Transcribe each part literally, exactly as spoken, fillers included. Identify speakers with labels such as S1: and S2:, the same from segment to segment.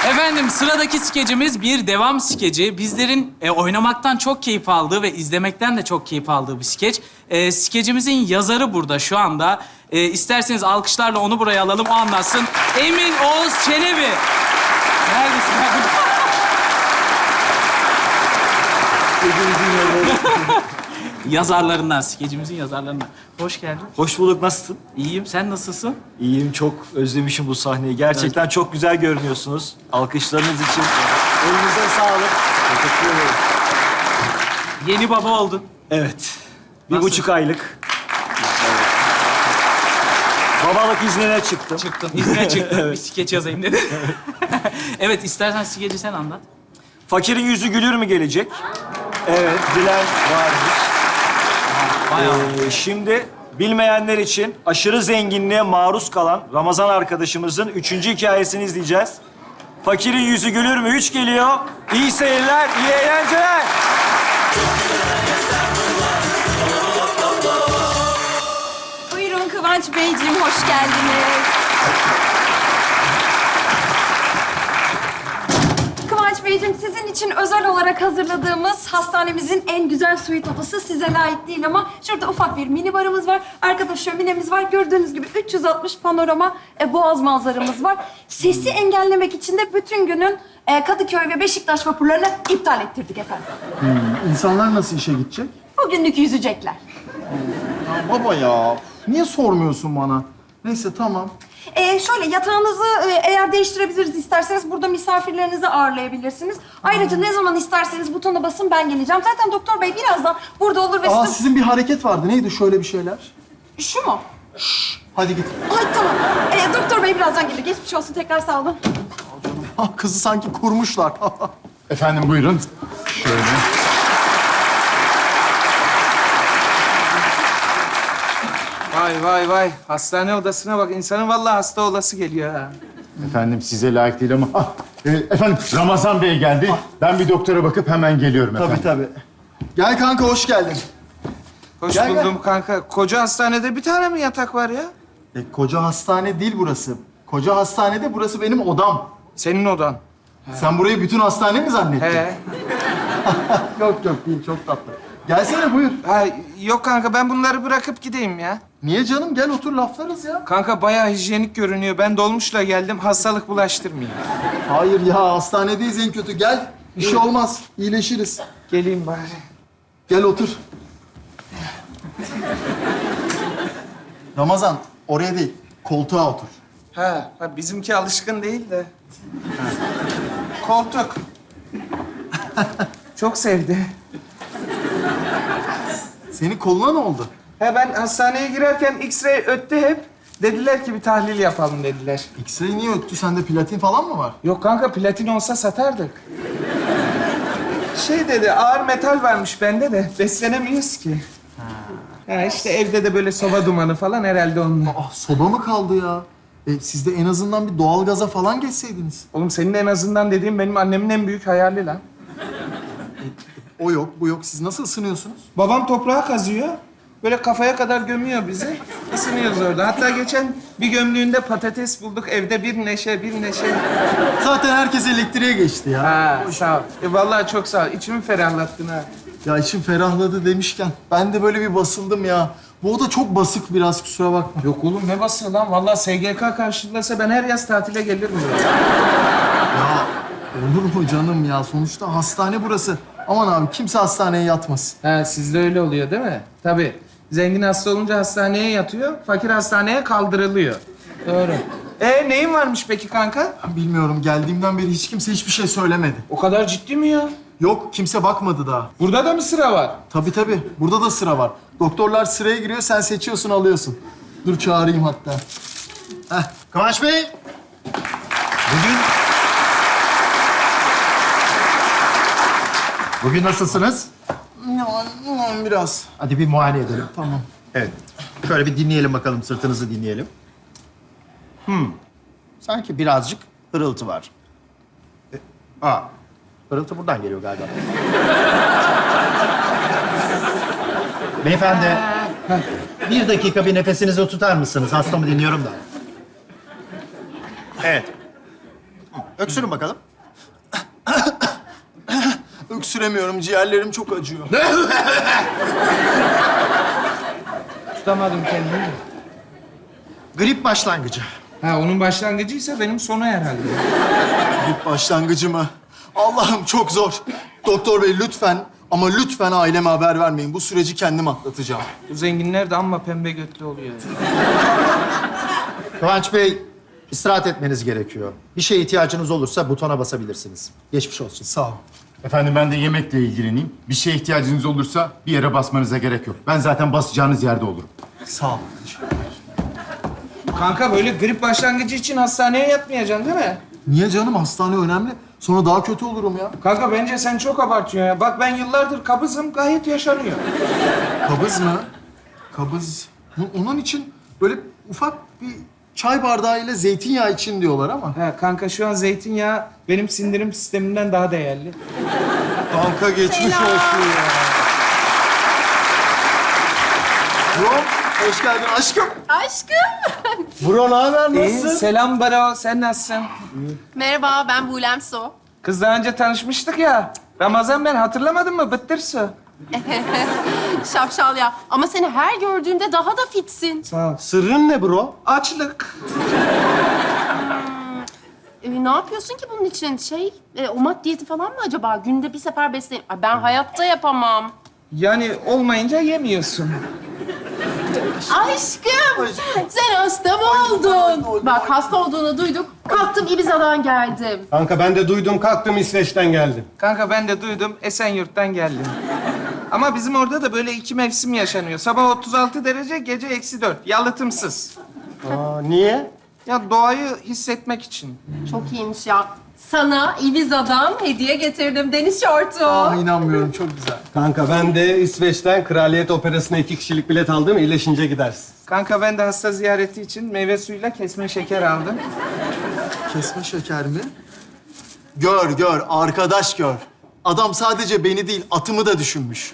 S1: Efendim sıradaki skecimiz bir devam skeci. Bizlerin e, oynamaktan çok keyif aldığı ve izlemekten de çok keyif aldığı bir skeç. E, skecimizin yazarı burada şu anda. E, isterseniz alkışlarla onu buraya alalım, o anlatsın. Emin Oğuz Çelebi. Neredesin abi? Yazarlarından, skecimizin yazarlarından. Hoş geldin.
S2: Hoş bulduk, nasılsın?
S1: İyiyim, sen nasılsın?
S2: İyiyim, çok özlemişim bu sahneyi. Gerçekten
S1: Evet.
S2: çok güzel görünüyorsunuz. Alkışlarınız için elinize sağlık. Teşekkür ederim.
S1: Yeni baba oldun.
S2: Evet, bir
S1: Nasıl?
S2: buçuk aylık. Babalık iznine çıktım.
S1: Çıktın, izne çıktın. Bir skeç yazayım dedi. Evet, istersen skeci sen anlat.
S2: Fakirin yüzü gülür mü gelecek? Evet, bilen varmış.
S1: Bayağı.
S2: Ee, şimdi bilmeyenler için aşırı zenginliğe maruz kalan Ramazan arkadaşımızın üçüncü hikayesini izleyeceğiz. Fakirin yüzü gülür mü? Üç geliyor. İyi seyirler, iyi eğlenceler.
S3: Buyurun Kıvanç Beyciğim, hoş geldiniz. Kıvanç Beyciğim, sizin için özel olarak hazırladığımız hastanemizin en güzel suite odası size layık değil ama şurada ufak bir mini barımız var. Arkada şöminemiz var. Gördüğünüz gibi üç yüz altmış panorama e, boğaz manzaramız var. Sesi engellemek için de bütün günün e, Kadıköy ve Beşiktaş vapurlarını iptal ettirdik efendim.
S4: İnsanlar nasıl işe gidecek?
S3: Bugünlük yüzecekler.
S4: Ya baba ya, niye sormuyorsun bana? Neyse tamam.
S3: Ee, şöyle yatağınızı e, eğer değiştirebiliriz isterseniz burada misafirlerinizi ağırlayabilirsiniz. Ayrıca ne zaman isterseniz butona basın, ben geleceğim. Zaten doktor bey birazdan burada olur ve
S4: Aa,
S3: sizin...
S4: sizin bir hareket vardı. Neydi şöyle bir şeyler?
S3: Şu mu?
S4: Hadi git.
S3: Ay tamam. Ee, doktor bey birazdan gelir. Geçmiş olsun, tekrar sağ olun.
S4: Ah, kızı sanki kurmuşlar.
S5: Efendim buyurun. Şöyle.
S6: Vay vay vay. Hastane odasına bak. İnsanın vallahi hasta olası geliyor ha.
S5: Efendim size layık değil ama... Ah, e, efendim Ramazan Bey geldi. Ben bir doktora bakıp hemen geliyorum efendim.
S2: Tabii tabii.
S4: Gel kanka, hoş geldin.
S6: Hoş
S4: Gel, gel.
S6: buldum kanka. Koca hastanede bir tane mi yatak var ya?
S4: E, koca hastane değil burası. Koca hastanede burası benim odam.
S6: Senin odan.
S4: Sen burayı bütün hastane mi zannettin?
S6: He.
S4: Yok yok değil, çok tatlı. Gelsene buyur.
S6: Ha, yok kanka ben bunları bırakıp gideyim ya.
S4: Niye canım? Gel otur, laflarız ya.
S6: Kanka bayağı hijyenik görünüyor. Ben dolmuşla geldim. Hastalık bulaştırmayayım.
S4: Hayır ya, hastanedeyiz en kötü. Gel, bir şey olmaz. İyileşiriz.
S6: Geleyim bari.
S4: Gel otur. Ramazan, oraya değil, koltuğa otur.
S6: Ha, ha bizimki alışkın değil de. Koltuk. Çok sevdi.
S4: Senin koluna ne oldu?
S6: He ben hastaneye girerken X-ray öttü hep. Dediler ki bir tahlil yapalım dediler.
S4: X-ray niye öttü? Sende platin falan mı var?
S6: Yok kanka platin olsa satardık. Şey dedi ağır metal varmış bende de beslenemiyoruz ki. Ha işte evde de böyle soba dumanı falan herhalde onunla.
S4: Ah, soba mı kaldı ya? E, siz de en azından bir doğalgaza falan geçseydiniz.
S6: Oğlum senin en azından dediğin benim annemin en büyük hayali lan.
S4: O yok, bu yok. Siz nasıl ısınıyorsunuz?
S6: Babam toprağa kazıyor. Böyle kafaya kadar gömüyor bizi. Isınıyoruz orada. Hatta geçen bir gömdüğünde patates bulduk. Evde bir neşe, bir neşe.
S4: Zaten herkes elektriğe geçti ya.
S6: Ha sağ ol. E, vallahi çok sağ ol. İçimi ferahlattın ha.
S4: Ya içim ferahladı demişken ben de böyle bir basıldım ya. Bu oda çok basık biraz, kusura bakma.
S6: Yok oğlum ne basıyor lan? Vallahi S G K karşılasa ben her yaz tatile gelirim buraya.
S4: Ya olur mu canım ya? Sonuçta hastane burası. Aman abi, kimse hastaneye yatmasın.
S6: Ha sizde öyle oluyor değil mi? Tabii. Zengin hasta olunca hastaneye yatıyor, fakir hastaneye kaldırılıyor. Doğru. E neyin varmış peki kanka?
S4: Bilmiyorum, geldiğimden beri hiç kimse hiçbir şey söylemedi.
S6: O kadar ciddi mi ya?
S4: Yok, kimse bakmadı daha.
S6: Burada da mı sıra var?
S4: Tabii tabii, burada da sıra var. Doktorlar sıraya giriyor, sen seçiyorsun, alıyorsun. Dur çağırayım hatta. Heh, Kıvanç Bey.
S5: Bugün... Bugün nasılsınız?
S4: Ya, biraz.
S5: Hadi bir muayene edelim.
S4: Tamam.
S5: Evet. Şöyle bir dinleyelim bakalım, sırtınızı dinleyelim. Hmm. Sanki birazcık hırıltı var. E, aa, hırıltı buradan geliyor galiba. Beyefendi, bir dakika bir nefesinizi tutar mısınız? Hastamı dinliyorum da. Evet. Öksürün bakalım.
S4: Öksüremiyorum, ciğerlerim çok acıyor.
S6: Tutamadım kendimi.
S5: Grip başlangıcı.
S6: Ha onun başlangıcıysa benim sonu herhalde.
S4: İlk başlangıcı mı? Allah'ım çok zor. Doktor bey lütfen ama lütfen aileme haber vermeyin. Bu süreci kendim atlatacağım.
S6: Bu zenginler de amma pembe götlü oluyor.
S5: Kıvanç Bey, istirahat etmeniz gerekiyor. Bir şeye ihtiyacınız olursa butona basabilirsiniz. Geçmiş olsun.
S4: Sağ ol.
S7: Efendim ben de yemekle ilgileneyim. Bir şeye ihtiyacınız olursa bir yere basmanıza gerek yok. Ben zaten basacağınız yerde olurum.
S4: Sağ ol.
S6: Kanka böyle grip başlangıcı için hastaneye yatmayacaksın değil mi?
S4: Niye canım? Hastane önemli. Sonra daha kötü olurum ya.
S6: Kanka bence sen çok abartıyorsun ya. Bak ben yıllardır kabızım, gayet yaşanıyor.
S4: Kabız mı? Kabız. O- Onun için böyle ufak bir çay bardağı ile zeytinyağı için diyorlar ama.
S6: Ha kanka şu an zeytinyağı benim sindirim sistemimden daha değerli.
S4: Kanka geçmiş olsun ya. Bro, hoş geldin aşkım.
S3: Aşkım.
S4: Bro, ne haber?
S6: İyi, selam Baro. Sen nasılsın?
S8: Merhaba, ben Bulem Su.
S6: Kız daha önce tanışmıştık ya. Ramazan ben hatırlamadın mı? Bıttır su.
S8: Şapşal ya. Ama seni her gördüğümde daha da fitsin.
S6: Sağ ol.
S5: Sırrın ne bro?
S6: Açlık.
S8: Ee, ne yapıyorsun ki bunun için? Şey, e, omat diyeti falan mı acaba? Günde bir sefer besleyin. Ay, ben hayatta yapamam.
S6: Yani olmayınca yemiyorsun.
S8: Aşkım, sen hasta mı oldun? Bak, hasta olduğunu duyduk. Kalktım Ibiza'dan geldim.
S9: Kanka ben de duydum, kalktım İsveç'ten geldim.
S6: Kanka ben de duydum, Esenyurt'tan geldim. Ama bizim orada da böyle iki mevsim yaşanıyor. Sabah otuz altı derece, gece eksi dört. Yalıtımsız.
S9: Aa, niye?
S6: Ya doğayı hissetmek için.
S8: Çok iyiymiş ya. Sana Ibiza'dan hediye getirdim deniz şortu.
S4: Aa, inanmıyorum, çok güzel.
S9: Kanka ben de İsveç'ten Kraliyet Operası'na iki kişilik bilet aldım, iyileşince gidersin.
S6: Kanka ben de hasta ziyareti için meyve suyuyla kesme şeker aldım.
S4: Kesme şeker mi? Gör, gör, arkadaş gör. Adam sadece beni değil, atımı da düşünmüş.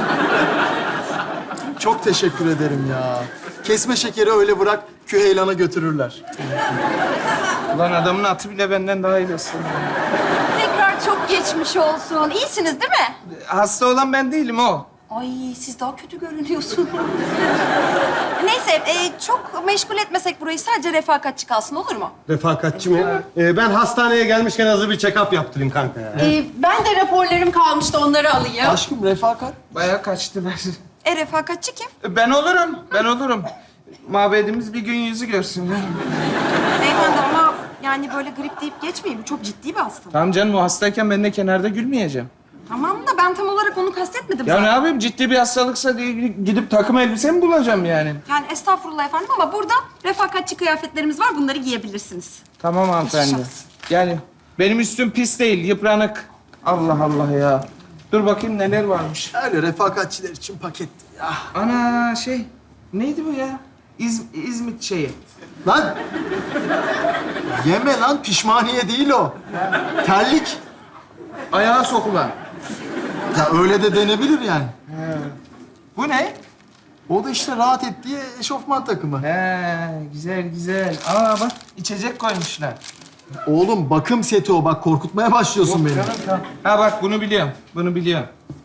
S4: Çok teşekkür ederim ya. Kesme şekeri öyle bırak, Küheylan'a götürürler.
S6: Ulan adamın atı bile benden daha iyi besleniyor.
S3: Tekrar çok geçmiş olsun. İyisiniz değil mi?
S6: Hasta olan ben değilim o.
S3: Ay siz daha kötü görünüyorsunuz. Neyse e, çok meşgul etmesek burayı, sadece refakatçi kalsın, olur mu?
S9: Refakatçi mi? Ee, ben hastaneye gelmişken hazır bir check-up yaptırayım kanka ya.
S8: Ee, ben de raporlarım kalmıştı, onları alayım.
S4: Aşkım, refakat.
S6: Bayağı kaçtılar.
S3: E refakatçi kim?
S6: Ben olurum, ben olurum. Mabedimiz bir gün yüzü görsün.
S3: Beyefendi ama yani böyle grip deyip geçmeyin. Bu çok ciddi bir hastalık.
S6: Tamam canım, o hastayken ben de kenarda gülmeyeceğim.
S3: Tamam da ben tam olarak onu kastetmedim
S6: Ya
S3: zaten.
S6: ne yapayım, ciddi bir hastalıksa diye gidip takım elbise mi bulacağım yani?
S3: Yani estağfurullah efendim ama burada refakatçi kıyafetlerimiz var. Bunları giyebilirsiniz.
S6: Tamam hanımefendi. Yani benim üstüm pis değil, yıpranık. Allah Allah ya. Dur bakayım neler varmış.
S4: Öyle refakatçiler için paketti ya.
S6: Ana şey, neydi bu ya? İz, İzmit şeyi.
S4: Lan! Yeme lan, pişmaniye değil o. Terlik.
S6: Ayağa sokulan.
S4: Ya öyle de denebilir yani.
S6: Bu ne?
S4: O da işte rahat et diye eşofman takımı.
S6: He, güzel güzel. Aa bak, içecek koymuşlar.
S4: Oğlum bakım seti o. Bak korkutmaya başlıyorsun beni.
S6: Tamam, tamam. Ha bak, bunu biliyorum. Bunu biliyorum.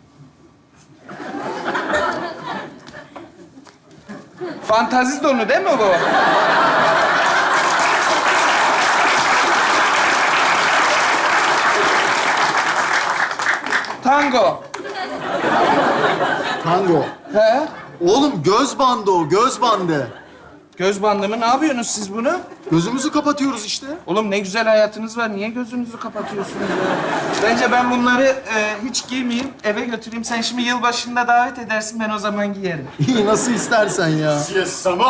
S6: Fantazi donu değil mi bu? Tango.
S4: Tango.
S6: He?
S4: Oğlum göz bandı o, göz bandı.
S6: Göz bandı mı? Ne yapıyorsunuz siz bunu?
S4: Gözümüzü kapatıyoruz işte.
S6: Oğlum ne güzel hayatınız var. Niye gözünüzü kapatıyorsunuz ya? Bence ben bunları e, hiç giymeyeyim, eve götüreyim. Sen şimdi yılbaşında davet edersin, ben o zaman giyerim.
S4: İyi, nasıl istersen ya.
S7: Siesama,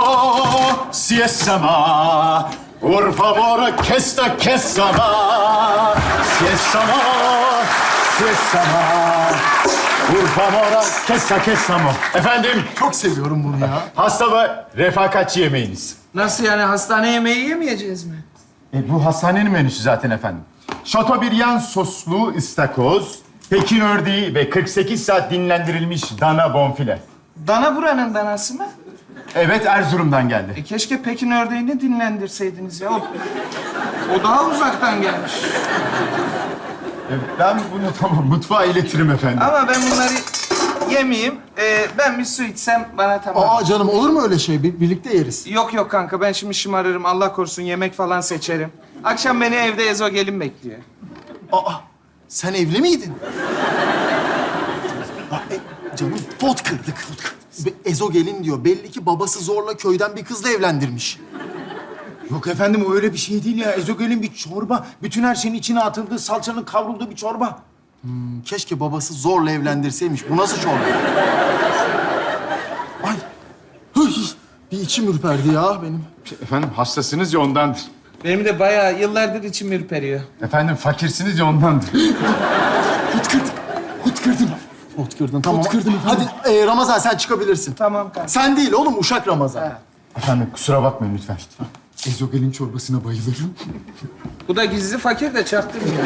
S7: siesama, por favor, que esta que sama. Siesama, siesama, por favor, que esta que samo. Efendim,
S4: Çok seviyorum bunu ya.
S7: hasta ve refakatçi yemeğiniz.
S6: Nasıl yani? Hastane yemeği yemeyeceğiz mi?
S7: E, bu hastanenin menüsü zaten efendim. Chateaubriand soslu ıstakoz, Pekin ördeği ve kırk sekiz saat dinlendirilmiş dana bonfile.
S6: Dana buranın danası mı?
S7: Evet, Erzurum'dan geldi.
S6: E keşke Pekin ördeğini dinlendirseydiniz ya. O, o daha uzaktan gelmiş.
S7: E, Ben bunu tamam mutfağa iletirim efendim.
S6: Ama ben bunları yemeyeyim. Ee, ben bir su içsem bana tamam.
S4: Aa canım olur mu öyle şey? Bir- birlikte yeriz.
S6: Yok yok kanka, ben şimdi şımarırım. Allah korusun, yemek falan seçerim. Akşam beni evde ezogelin bekliyor.
S4: Aa sen evli miydin? Aa, e, canım pot kırdık. Be- Ezo gelin diyor. Belli ki babası zorla köyden bir kızla evlendirmiş.
S7: Yok efendim, o öyle bir şey değil ya. Ezogelin bir çorba. Bütün her şeyin içine atıldığı, salçanın kavrulduğu bir çorba.
S4: Keşke babası zorla evlendirseymiş. Bu nasıl çorba? Ay. Hıy. Bir içim ürperdi ya benim.
S7: Efendim hastasınız ya ondandır.
S6: Benim de bayağı yıllardır içim ürperiyor.
S7: Efendim fakirsiniz ya ondandır.
S4: Pot kırdım. Pot kırdım. Pot kırdın tamam. Pot kırdım efendim. Hadi e, Ramazan sen çıkabilirsin.
S6: Tamam kanka.
S4: Sen değil oğlum Uşak Ramazan.
S7: Efendim kusura bakmayın lütfen. Ezogelin çorbasına bayılırım.
S6: Bu da gizli fakir de çaktırmıyor.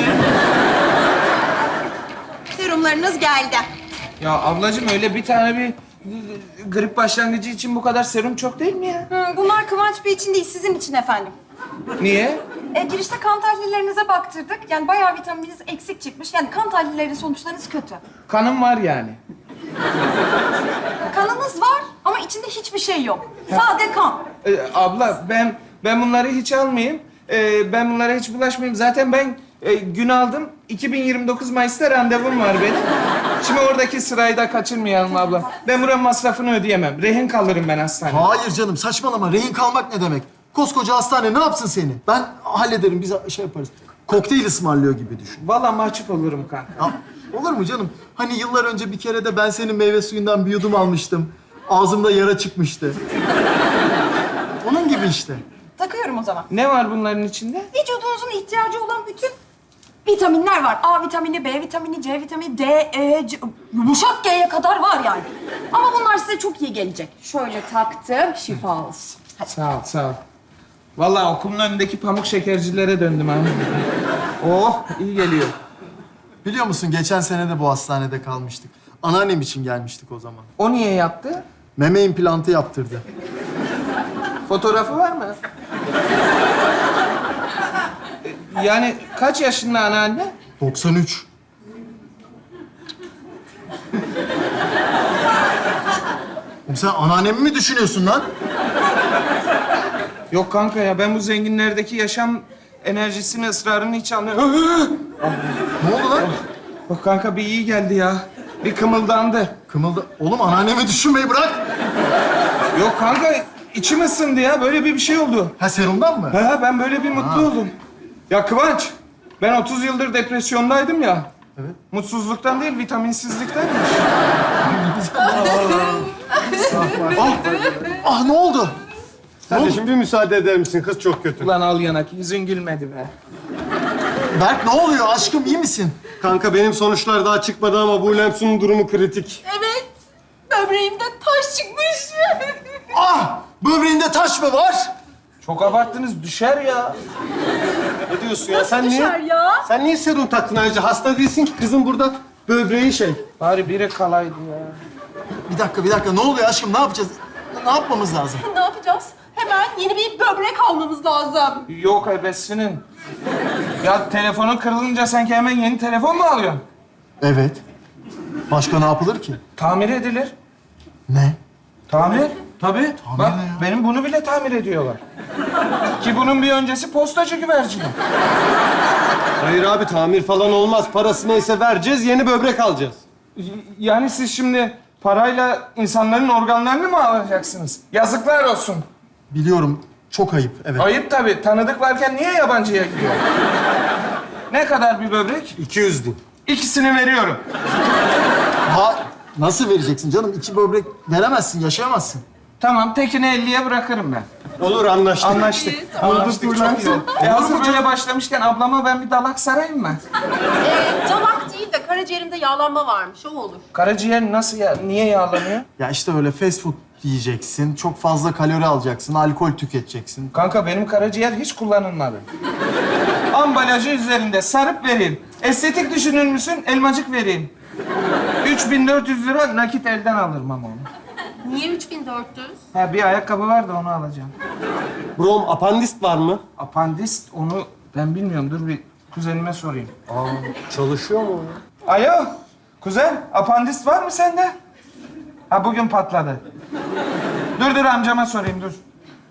S3: Serumlarınız geldi.
S6: Ya ablacığım, öyle bir tane bir grip başlangıcı için bu kadar serum çok değil mi ya?
S3: Hı, bunlar Kıvanç Bey için değil, sizin için efendim.
S6: Niye?
S3: E, girişte kan tahlillerinize baktırdık. Yani bayağı vitamininiz eksik çıkmış. Yani kan tahlilleri sonuçlarınız kötü.
S6: Kanım var yani.
S3: Kanınız var ama içinde hiçbir şey yok. Sade kan.
S6: Ee, abla ben ben bunları hiç almayayım. Ee, ben bunlara hiç bulaşmayayım. Zaten ben e, gün aldım. iki bin yirmi dokuz Mayıs'ta randevum var benim. Şimdi oradaki sırayı da kaçırmayalım abla. Ben buranın masrafını ödeyemem. Rehin kalırım ben hastanede.
S4: Hayır canım saçmalama. Rehin kalmak ne demek? Koskoca hastane ne yapsın seni? Ben hallederim. Biz şey yaparız. Kokteyl ısmarlıyor gibi düşün.
S6: Vallahi mahcup olurum kanka.
S4: Ya, olur mu canım? Hani yıllar önce bir kere de ben senin meyve suyundan bir yudum almıştım. Ağzımda yara çıkmıştı. Onun gibi işte.
S3: Takıyorum o zaman.
S6: Ne var bunların içinde?
S3: Vücudunuzun ihtiyacı olan bütün vitaminler var. A vitamini, B vitamini, C vitamini, D, E, C... Yumuşak G'ye kadar var yani. Ama bunlar size çok iyi gelecek. Şöyle taktım, şifa olsun. Hadi.
S6: Sağ ol, sağ ol. Vallahi okulun önündeki pamuk şekercilere döndüm ha. Oh, iyi geliyor.
S4: Biliyor musun geçen sene de bu hastanede kalmıştık. Anneannem için gelmiştik o zaman.
S6: O niye yaptı?
S4: Meme implantı yaptırdı.
S6: Fotoğrafı var mı? E, Yani kaç yaşında anneanne?
S4: doksan üç. Oğlum sen anneannemi mi düşünüyorsun lan?
S6: Yok kanka ya, ben bu zenginlerdeki yaşam enerjisini, ısrarını hiç anlamıyorum.
S4: Ne oldu lan?
S6: Bak kanka, bir iyi geldi ya. Bir kımıldandı.
S4: Kımıldı. Oğlum anneannemi düşünmeyi bırak.
S6: Yok kanka, içim ısındı ya. Böyle bir bir şey oldu.
S4: Ha serumdan mı?
S6: Ha, ben böyle bir mutlu oldum. Ya Kıvanç, ben otuz yıldır depresyondaydım ya.
S4: Evet.
S6: Mutsuzluktan değil, vitaminsizliktenmiş.
S4: Ah, ah ne oldu?
S9: Kardeşim bir müsaade eder misin? Kız çok kötü.
S6: Ulan al yanak, yüzün gülmedi be.
S4: Berk ne oluyor aşkım iyi misin?
S9: Kanka benim sonuçlar daha çıkmadı ama bu Lemsun'un durumu kritik.
S3: Evet, böbreğimde taş çıkmış.
S4: Ah böbreğinde taş mı var?
S6: Çok abarttınız, düşer ya.
S9: Ne diyorsun ya? Sen
S3: Düşer
S9: niye?
S3: ya.
S9: Sen niye serum taktın ayrıca? Hasta değilsin ki kızın burada böbreği şey.
S6: Bari biri kalaydı ya.
S4: Bir dakika bir dakika ne oluyor aşkım ne yapacağız? Ne yapmamız lazım?
S8: Ne yapacağız? Hemen yeni bir böbrek almamız lazım.
S6: Yok ebesinin. Ya telefonun kırılınca sanki hemen yeni telefon mu alıyorsun?
S4: Evet. Başka ne yapılır ki?
S6: Tamir edilir.
S4: Ne?
S6: Tamir? Tabii. Bak,
S4: ne ya?
S6: benim bunu bile tamir ediyorlar. Ki bunun bir öncesi postacı güvercini.
S9: Hayır abi tamir falan olmaz. Parası neyse vereceğiz, yeni böbrek alacağız.
S6: Y- Yani siz şimdi parayla insanların organlarını mı alacaksınız? Yazıklar olsun.
S4: Biliyorum çok ayıp evet.
S6: Ayıp tabii. Tanıdık varken niye yabancıya gidiyor? Ne kadar bir böbrek?
S9: iki yüz bin.
S6: İkisini veriyorum.
S4: Ha nasıl vereceksin canım? İki böbrek veremezsin yaşayamazsın.
S6: Tamam, tekini elliye bırakırım ben.
S9: Olur anlaştık.
S6: Anlaştık. Anlaştık. Çok iyi oldu. E hazır böyle başlamışken ablama ben bir dalak sarayım mı?
S8: Ee, dalak değil de karaciğerimde yağlanma varmış. O olur.
S6: Karaciğer nasıl ya? Niye yağlanıyor?
S4: Ya işte öyle fast food yiyeceksin, çok fazla kalori alacaksın, alkol tüketeceksin.
S6: Kanka benim karaciğer hiç kullanılmadı. Ambalajı üzerinde sarıp vereyim. Estetik düşünür müsün? Elmacık vereyim. üç bin dört yüz lira nakit elden alırım ama onu.
S8: Niye üç bin dört yüz?
S6: Ha, bir ayakkabı var da onu alacağım.
S9: Brom apandist var mı?
S6: Apandist onu ben bilmiyorum. Dur bir kuzenime sorayım.
S9: Çalışıyor mu?
S6: Alo, kuzen, apandist var mı sende? Ha, bugün patladı. Dur dur amcama sorayım, dur.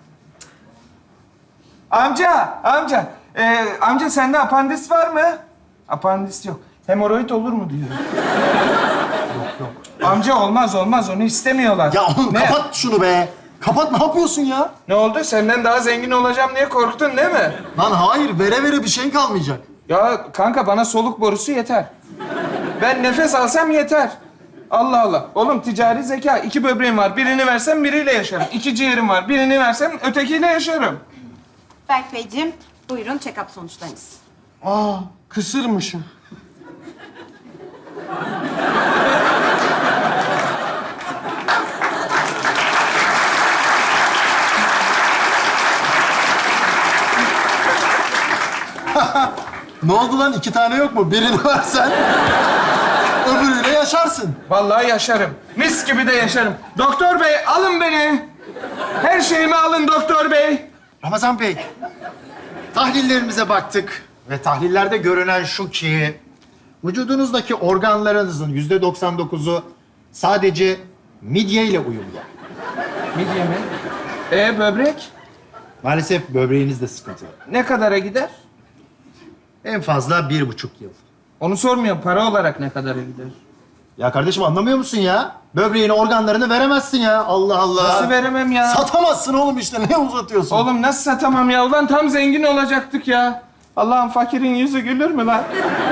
S6: Amca, amca. Ee, amca sende apandist var mı? Apandist yok. Hemoroid olur mu diyor. Yok yok. Amca olmaz olmaz, onu istemiyorlar.
S4: Ya oğlum
S6: Ne?
S4: kapat şunu be. Kapat, ne yapıyorsun ya?
S6: Ne oldu? Senden daha zengin olacağım diye korktun değil mi?
S4: Lan hayır, vere vere bir şey kalmayacak.
S6: Ya kanka bana soluk borusu yeter. Ben nefes alsam yeter. Allah Allah. Oğlum ticari zeka. İki böbreğim var. Birini versem biriyle yaşarım. İki ciğerim var. Birini versem ötekiyle yaşarım.
S10: Berk Beyciğim, buyurun check-up sonuçlarınız.
S9: Aa, kısırmışım.
S4: Ne oldu lan? İki tane yok mu? Birini versen öbürüyle yaşarsın.
S6: Vallahi yaşarım. Mis gibi de yaşarım. Doktor bey alın beni. Her şeyimi alın doktor bey.
S5: Ramazan Bey, tahlillerimize baktık ve tahlillerde görünen şu ki vücudunuzdaki organlarınızın yüzde doksan dokuzu sadece midye ile uyumlu.
S6: Midye mi? Ee böbrek?
S5: Maalesef böbreğinizde sıkıntı var.
S6: Ne kadara gider?
S5: En fazla bir buçuk yıl.
S6: Onu sormuyorum. Para olarak ne kadara gider?
S5: Ya kardeşim anlamıyor musun ya? Böbreğini, organlarını veremezsin ya. Allah Allah.
S6: Nasıl veremem ya?
S4: Satamazsın oğlum işte. Ne uzatıyorsun?
S6: Oğlum nasıl satamam ya? Ulan tam zengin olacaktık ya. Allah'ın fakirin yüzü gülür mü lan?